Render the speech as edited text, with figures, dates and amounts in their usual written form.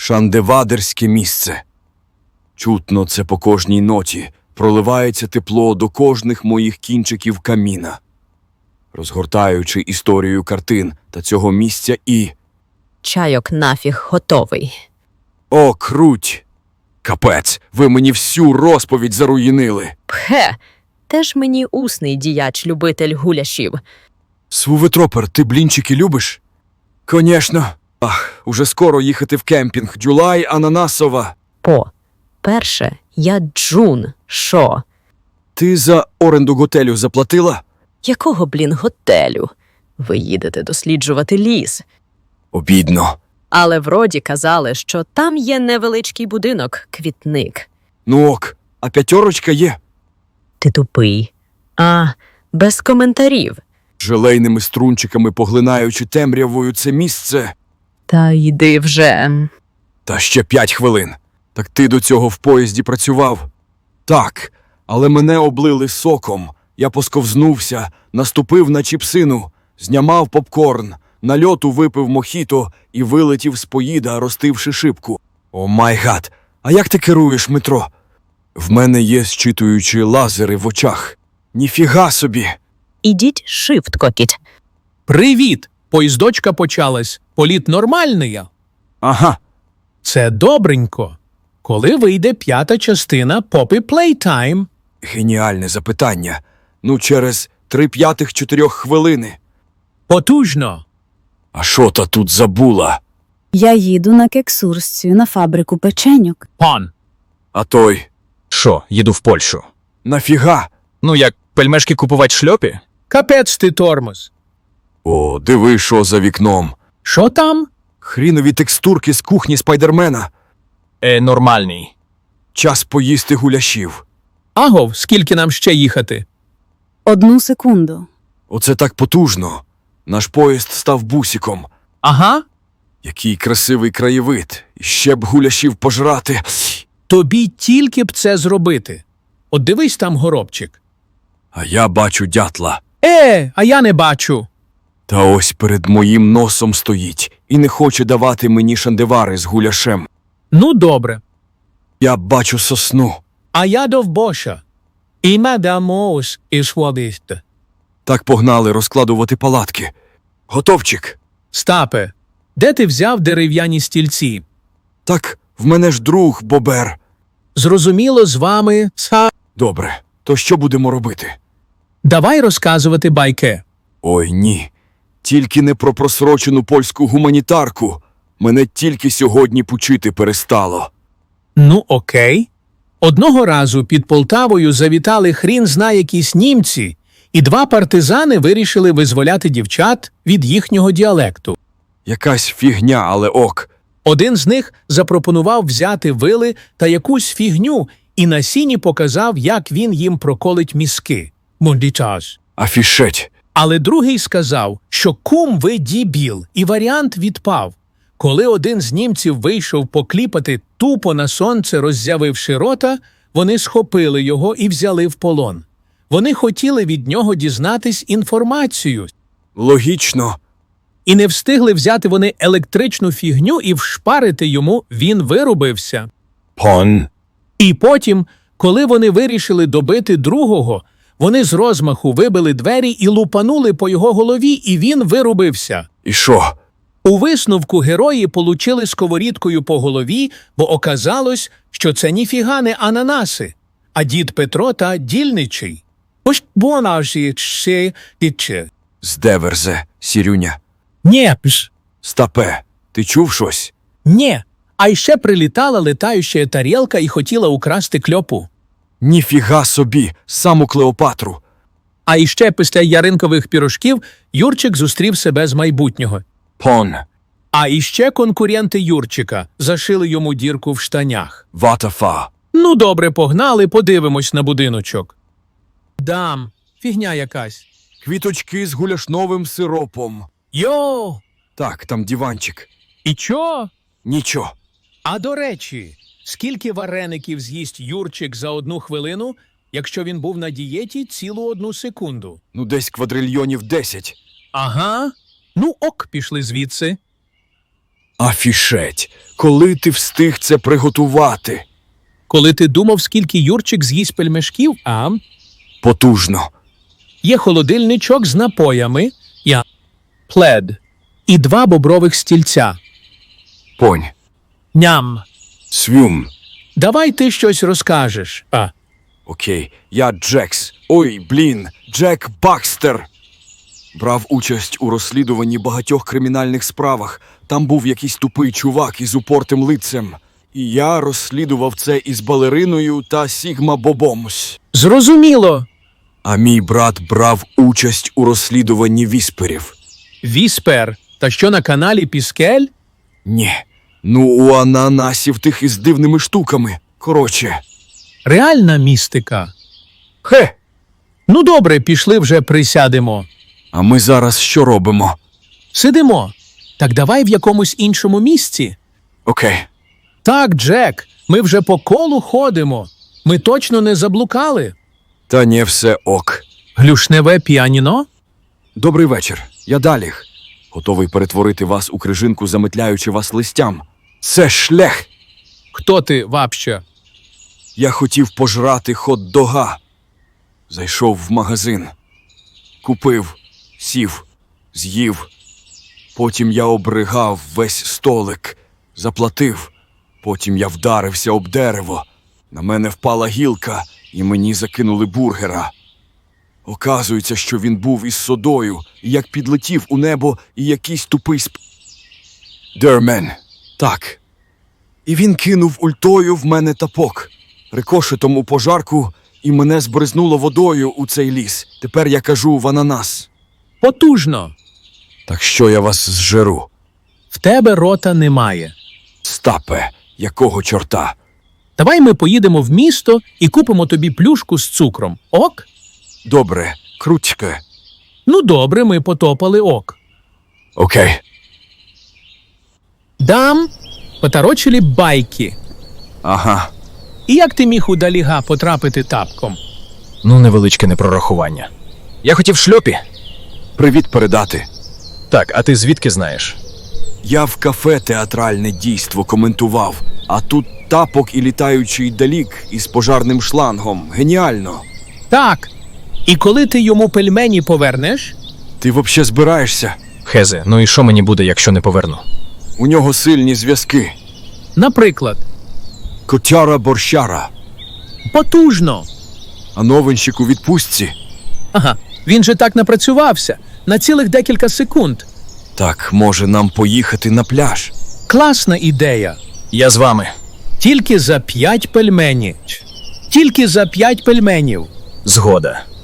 Шандевадерське місце. Чутно це по кожній ноті, проливається тепло до кожних моїх кінчиків каміна. Розгортаючи історію картин та цього місця і... Чайок нафіг готовий. О, круть! Капець, ви мені всю розповідь заруїнили. Пхе, теж мені усний діяч-любитель гуляшів. Свуветропер, ти блінчики любиш? Конечно. Ах, уже скоро їхати в кемпінг. Джулай Ананасова. Перше, я Джун. Шо? Ти за оренду готелю заплатила? Якого, готелю? Ви їдете досліджувати ліс. Обідно. Але вроді казали, що там є невеличкий будинок, квітник. Ну ок, а 5 є? Ти тупий. Без коментарів. Желейними струнчиками поглинаючи темрявою це місце. Та йди вже. Та ще 5 хвилин. Так ти до цього в поїзді працював? Так, але мене облили соком. Я посковзнувся, наступив на чіпсину, знямав попкорн, на льоту випив мохіто і вилетів з поїда, розтивши шибку. О май гад, а як ти керуєш метро? В мене є зчитуючі лазери в очах. Ніфіга собі! Ідіть шифт, кокіть. Привіт! Поїздочка почалась. Політ нормальний? Ага. Це добренько. Коли вийде 5-та частина Poppy Playtime? Геніальне запитання. Ну, через 3/5 хвилини. Потужно. А що та тут забула? Я їду на кексурсію на фабрику печеньок. Пан. А той? Що, їду в Польщу? Нафіга? Ну, як пельмешки купувати шльопі? Капець ти тормоз. О, диви, що за вікном. Що там? Хрінові текстурки з кухні Спайдермена. Нормальний. Час поїсти гуляшів. Агов, скільки нам ще їхати? 1 секунду. Оце так потужно. Наш поїзд став бусиком. Ага. Який красивий краєвид. І ще б гуляшів пожрати. Тобі тільки б це зробити. От дивись там горобчик. А я бачу дятла. А я не бачу. Та ось перед моїм носом стоїть і не хоче давати мені шандевари з гуляшем. Ну, добре. Я бачу сосну. А я довбоша. І мадамос із водисте. Так погнали розкладувати палатки. Готовчик. Стапе, де ти взяв дерев'яні стільці? Так, в мене ж друг Бобер. Зрозуміло, з вами Добре, то що будемо робити? Давай розказувати байки. Ой, ні. Тільки не про просрочену польську гуманітарку. Мене тільки сьогодні пучити перестало. Ну, окей. Одного разу під Полтавою завітали хрін зна якісь німці, і 2 партизани вирішили визволяти дівчат від їхнього діалекту. Якась фігня, але ок. Один з них запропонував взяти вили та якусь фігню і на сіні показав, як він їм проколить мізки. Мундітаж. Афішеть. Але другий сказав, що кум ви дібіл, і варіант відпав. Коли один з німців вийшов покліпати тупо на сонце, роззявивши рота, вони схопили його і взяли в полон. Вони хотіли від нього дізнатись інформацію. Логічно. І не встигли взяти вони електричну фігню і вшпарити йому, він вирубився. Пон. І потім, коли вони вирішили добити другого, вони з розмаху вибили двері і лупанули по його голові, і він вирубився. І що? У висновку герої получили сковорідкою по голові, бо оказалось, що це ніфіга не ананаси, а дід Петро та дільничий. Ось бонажі ще дідче. Здеверзе, Сірюня. Нєпш. Стапе, ти чув щось? Нє. А ще прилітала летаюча тарілка і хотіла украсти кльопу. Ніфіга собі, саму Клеопатру. А іще після яринкових пірожків Юрчик зустрів себе з майбутнього. Пон. А іще конкуренти Юрчика зашили йому дірку в штанях. Ватафа. Ну, добре, погнали, подивимось на будиночок. Дам, фігня якась. Квіточки з гуляшновим сиропом. Йо! Так, там диванчик. І чо? Нічого. А до речі, скільки вареників з'їсть Юрчик за 1 хвилину, якщо він був на дієті цілу 1 секунду? Ну, десь квадрильйонів 10. Ага. Ну ок, пішли звідси. Афішеть. Коли ти встиг це приготувати? Коли ти думав, скільки Юрчик з'їсть пельмешків, а Потужно. є холодильничок з напоями, плед і 2 бобрових стільця. Понь. Ням. Свюм. Давай ти щось розкажеш. Окей, я Джекс. Ой, блін, Джек Бакстер. Брав участь у розслідуванні багатьох кримінальних справах. Там був якийсь тупий чувак із упортим лицем. І я розслідував це із балериною та Сігма Бобом. Зрозуміло. А мій брат брав участь у розслідуванні вісперів. Віспер. Та що на каналі Піскель? Ні. Ну, у ананасів тих із дивними штуками. Коротше. Реальна містика. Хе! Ну добре, пішли вже присядемо. А ми зараз що робимо? Сидимо. Так давай в якомусь іншому місці. Окей. Так, Джек, ми вже по колу ходимо. Ми точно не заблукали. Та не все ок. Глюшневе піаніно? Добрий вечір. Я Даліх. Готовий перетворити вас у крижинку, замитляючи вас листям. Це шлях. Хто ти, вообще? Я хотів пожрати хот-дога. Зайшов в магазин. Купив, сів, з'їв. Потім я обригав весь столик. Заплатив. Потім я вдарився об дерево. На мене впала гілка, і мені закинули бургера. Оказується, що він був із содою, і як підлетів у небо, і якийсь тупий Дермен. Так. І він кинув ультою в мене тапок, рикошетом у пожарку, і мене збризнуло водою у цей ліс. Тепер я кажу в ананас. Потужно. Так що я вас зжеру? В тебе рота немає. Стапе, якого чорта? Давай ми поїдемо в місто і купимо тобі плюшку з цукром. Ок? Добре, крутьке. Ну добре, ми потопали ок. Окей. Дам поторочили байки. Ага. І як ти міг у Даліга потрапити тапком? Ну, невеличке непрорахування. Я хотів шльопі. Привіт передати. Так, а ти звідки знаєш? Я в кафе театральне дійство коментував, а тут тапок і літаючий далік із пожарним шлангом. Геніально. Так. І коли ти йому пельмені повернеш? Ти вообще збираєшся? Хезе, ну і що мені буде, якщо не поверну? У нього сильні зв'язки. Наприклад, Котяра-борщара. потужно. А новинщик у відпустці? Ага, він же так напрацювався. На цілих декілька секунд. Так, може нам поїхати на пляж? Класна ідея. Я з вами. Тільки за 5 пельменів. Тільки за 5 пельменів. Згода.